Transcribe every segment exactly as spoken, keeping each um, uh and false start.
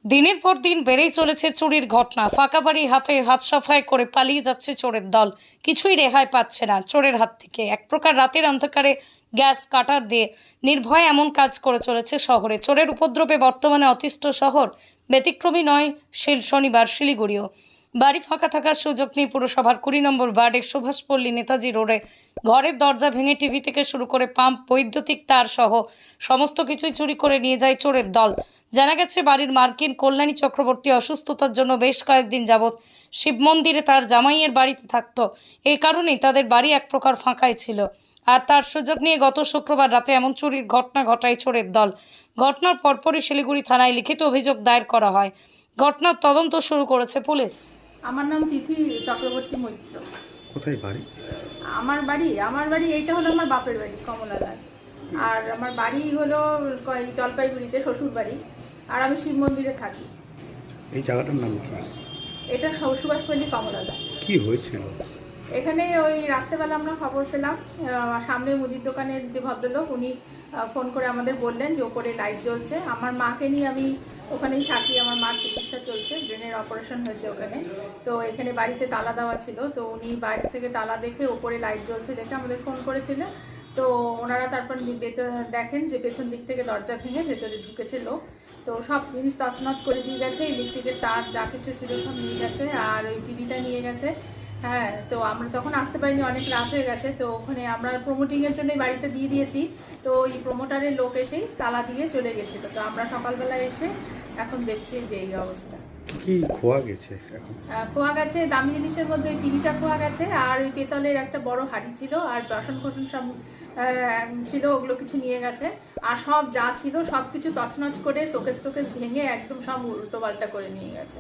দিনের পর দিন বেড়েই চলেছে চুরির ঘটনা। ফাঁকা বাড়ি হাতে হাত সাফাই করে পালিয়ে যাচ্ছে চোরের দল। কিছুই রেহাই পাচ্ছে না চোরের হাত থেকে। এক প্রকার রাতের অন্ধকারে গ্যাস কাটার দিয়ে নির্ভয়ে এমন কাজ করে চলেছে শহরে। চোরের উপদ্রবে বর্তমানে অতিষ্ঠ শহর। ব্যতিক্রমী নয় শিল শনিবার শিলিগুড়িও। বাড়ি ফাঁকা থাকার সুযোগ নেই পুরসভার কুড়ি নম্বর ওয়ার্ডের সুভাষপল্লী নেতাজি রোডে। ঘরের দরজা ভেঙে টিভি থেকে শুরু করে পাম্প, বৈদ্যুতিক তার সহ সমস্ত কিছুই চুরি করে নিয়ে যায় চোরের দল। জানা গেছে বাড়ির মার্কিন কল্যাণী চক্রবর্তী অসুস্থতার জন্য বেশ কয়েকদিন যাবৎ শিব মন্দিরে তার জামাইয়ের বাড়িতে থাকতো। এই কারণেই তাদের বাড়ি এক প্রকার ফাঁকাই ছিল। আর তার সুযোগ নিয়ে গত শুক্রবার রাতে এমন চুরির ঘটনা ঘটায় চোরের দল। ঘটনার পরপরই শিলিগুড়ি থানায় লিখিত অভিযোগ দায়ের করা হয়। ঘটনার তদন্ত শুরু করেছে পুলিশ। আমার নাম তিথি চক্রবর্তী মৈত্র। কোথায় বাড়ি? আমার বাড়ি আমার বাড়ি এইটা হলো আমার বাপের বাড়ি কমলালাল। আর আমার বাড়ি হলো ক- জলপাইগুড়িতে শ্বশুর বাড়ি। আর আমি শিব মন্দিরে থাকি। এই জায়গাটার নাম কি? এটা সু- সুভাষপল্লী কমলালাল। কি হয়েছিল? এখানে ওই রাত্রেবেলা আমরা খবর পেলাম, আহ, সামনে মুদির দোকানের যে ভদ্রলোক উনি আহ, ফোন করে আমাদের বললেন যে ওপরে লাইট জ্বলছে। আমার মাকে নিয়ে আমি ওখানেই থাকি, আমার মার চিকিৎসা চলছে, ব্রেনের অপারেশন হয়েছে ওখানে। তো এখানে বাড়িতে তালা দেওয়া ছিল, তো উনি বাইরে থেকে তালা দেখে ওপরে লাইট জ্বলছে দেখে আমাদের ফোন করেছিল। তো ওনারা তারপর ভেতরে দেখেন যে পেছন দিক থেকে দরজা ভেঙে ভেতরে ঢুকেছে লোক। তো সব জিনিস তছনছ করে দিয়ে গেছে, ইলেকট্রিকের তার যা কিছু ছিল সব নিয়ে গেছে, আর ওই টিভিটা নিয়ে গেছে। হ্যাঁ, তো আমরা তখন আসতে পারিনি, অনেক রাত হয়ে গেছে। তো ওখানে আমরা প্রমোটিংয়ের জন্য বাড়িটা দিয়ে দিয়েছি। তো ওই প্রমোটারের লোক এসেই তালা দিয়ে চলে গেছিলো। তো আমরা সকালবেলা এসে এখন দেখছি যে এই অবস্থা। কি খোয়া গেছে এখন? আহ, খোয়া গেছে দামি জিনিসের মধ্যে ওই টিভিটা খোয়া গেছে, আর ওই পেতলের একটা বড় হাঁড়ি ছিল, আর বাসন কোসন সব আহ, ছিল, ওগুলো কিছু নিয়ে গেছে। আর সব যা ছিল সব কিছু তছনছ করে শোকেস টোকেস ভেঙে একদম সব উল্টো পাল্টা করে নিয়ে গেছে।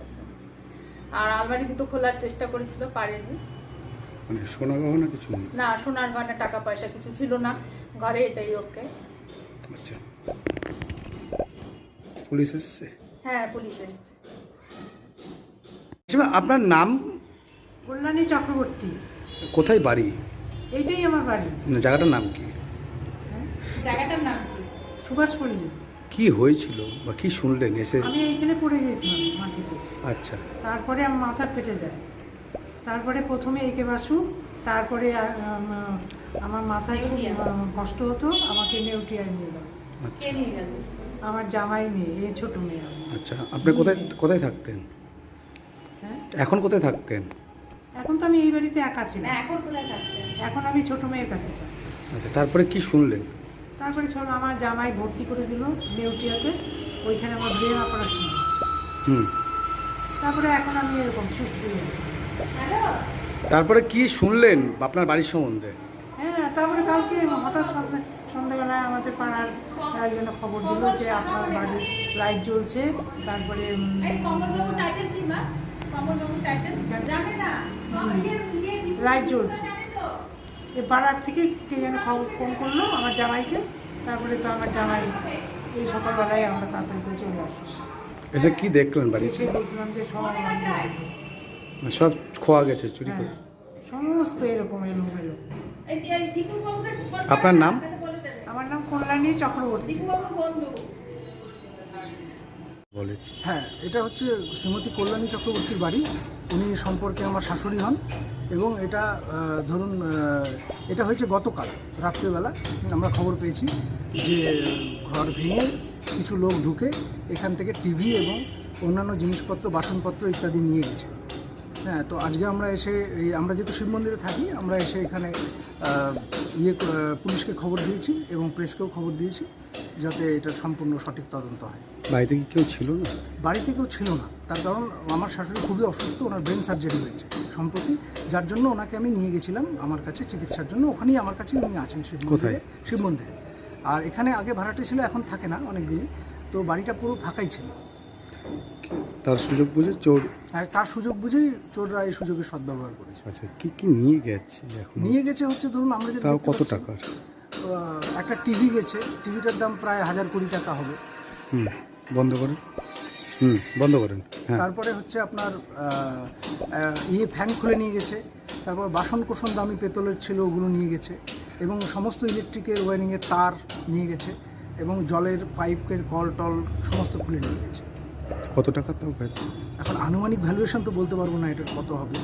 আর আলমারি দুটো খোলার চেষ্টা করেছিল, পারেনি। মানে সোনা গহনা কিছু নেই? না, সোনার গয়না টাকা পয়সা কিছু ছিল না ঘরে, এটাই ওকে। আচ্ছা, পুলিশ এসছে? হ্যাঁ, পুলিশ এসছে। আচ্ছা, আপনার নাম? কল্যাণী চক্রবর্তী। কোথায় বাড়ি? এইটাই আমার বাড়ি। না, জায়গাটার নাম কি? জায়গাটার নাম কি? সুভাষপল্লী। কি হয়েছিল বা কি শুনলেন এসে? আমি এইখানে পড়ে গেছিলাম মাটিতে। আচ্ছা, তারপরে আমার মাথা ফেটে যায়। তারপরে প্রথমে একে বাসু, তারপরে আহ, উম, আমার মাথায় খুব আহ, কষ্ট হতো, আমাকে নেউটিয়ায় নিয়ে গেল। আচ্ছা, আমার জামাই মেয়ে, এই ছোট মেয়ে আমার। আচ্ছা। আপনি কোথায় কোথায় থাকতেন? হ্যাঁ, এখন কোথায় থাকতেন? এখন তো আমি এই বাড়িতে একা ছিলাম। এখন কোথায় থাকছে? এখন আমি ছোট মেয়ের কাছে চাই। আচ্ছা, তারপরে কি শুনলেন? তারপরে ছোট আমার জামাই ভর্তি করে দিল নেউটিয়াতে, ওইখানে আমার ব্রেন অপারেশন। হুম, তারপরে এখন আমি এরকম সুস্থ হয়ে আছি। তারপরে কি শুনলেন আপনার বাড়ির সম্বন্ধে? হ্যাঁ, তারপরে কালকে হঠাৎ সন্ধ্যা সন্ধ্যাবেলায় আমাদের পাড়ার একজন খবর দিল যে আপনার বাড়ির লাইট জ্বলছে। তারপরে উম, লাইট জ্বলছে, এ পাড়ার থেকে কে যেন খবর ফোন করলো আমার জামাইকে। তারপরে তো আমার জামাই এই সকালবেলায় আমরা তাড়াতাড়ি করে চলে আসি। এসে কি দেখলেন বাড়িতে? এসে দেখলাম যে সব আমার সব খোয়া গেছে, চুরি করে? হ্যাঁ, সমস্ত এরকম এলোমেলো। আপনার নাম? আমার নাম কল্যাণী চক্রবর্তী। বলে। হ্যাঁ, এটা হচ্ছে শ্রীমতী কল্যাণী চক্রবর্তীর বাড়ি। উনি সম্পর্কে আমার শাশুড়ি হন। এবং এটা আহ, ধরুন আহ, এটা হয়েছে গতকাল রাত্রেবেলা। আমরা খবর পেয়েছি যে ঘর ভেঙে কিছু লোক ঢুকে এখান থেকে টিভি এবং অন্যান্য জিনিসপত্র, বাসনপত্র ইত্যাদি নিয়ে গেছে। হ্যাঁ, তো আজকে আমরা এসে এই আমরা যেহেতু শিব মন্দিরে থাকি, আমরা এসে এখানে আহ, ইয়ে আহ, পুলিশকে খবর দিয়েছি এবং প্রেসকেও খবর দিয়েছি যাতে এটা সম্পূর্ণ সঠিক তদন্ত হয়। বাড়িতে কি কেউ ছিল না? বাড়িতে কেউ ছিল না, তার কারণ আমার শাশুড়ি খুবই অসুস্থ, ওনার ব্রেন সার্জারি হয়েছে সম্প্রতি, যার জন্য ওনাকে আমি নিয়ে গেছিলাম আমার কাছে চিকিৎসার জন্য। ওখানেই আমার কাছেই উনি আছেন শিব মন্দিরে। কোথায়? শিব মন্দিরে। আর এখানে আগে ভাড়াটে ছিল, এখন থাকে না অনেক দিনই। তো বাড়িটা পুরো ফাঁকাই ছিল। তার সুযোগ বুঝে চোর? আর তার সুযোগ বুঝেই চোররা এই সুযোগের সদ্ব্যবহার করেছে। আচ্ছা, কি কি নিয়ে গেছে এখন? নিয়ে গেছে হচ্ছে ধরুন আমরা যেটা তাও দেখতে কত পাচ্ছি, টাকার? আহ, একটা টিভি গেছে, টিভিটার দাম প্রায় হাজার কোটি টাকা হবে। হুম, বন্ধ করেন। হুম, বন্ধ করেন। হ্যাঁ, তারপরে হচ্ছে আপনার আহ, আহ, ইয়ে ফ্যান খুলে নিয়ে গেছে। তারপর বাসন কোসন দামি পেতলের ছিল, ওগুলো নিয়ে গেছে। এবং সমস্ত ইলেকট্রিকের ওয়্যারিংয়ের তার নিয়ে গেছে এবং জলের পাইপের কল টল সমস্ত খুলে নিয়ে গেছে। কত টাকা তাও পেয়েছে? এখন আনুমানিক ভ্যালুয়েশন তো বলতে পারবো না এটার কত হবে,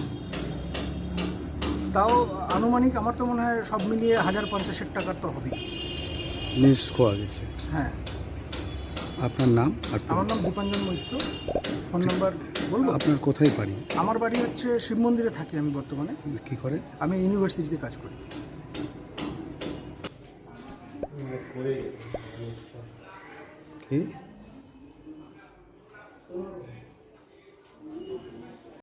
তাও আনুমানিক আমার তো মনে হয় সব মিলিয়ে হাজার পঞ্চাশের টাকার তো হবেই। জিনিস খোয়া গেছে। হ্যাঁ, আপনার নাম আর আমার নাম দীপাঞ্জন মৈত্র। ফোন নাম্বার বলবো? আপনার কোথায় বাড়ি? আমার বাড়ি হচ্ছে শিব মন্দিরে থাকি আমি বর্তমানে। কি করে? আমি ইউনিভার্সিটিতে কাজ করি। কি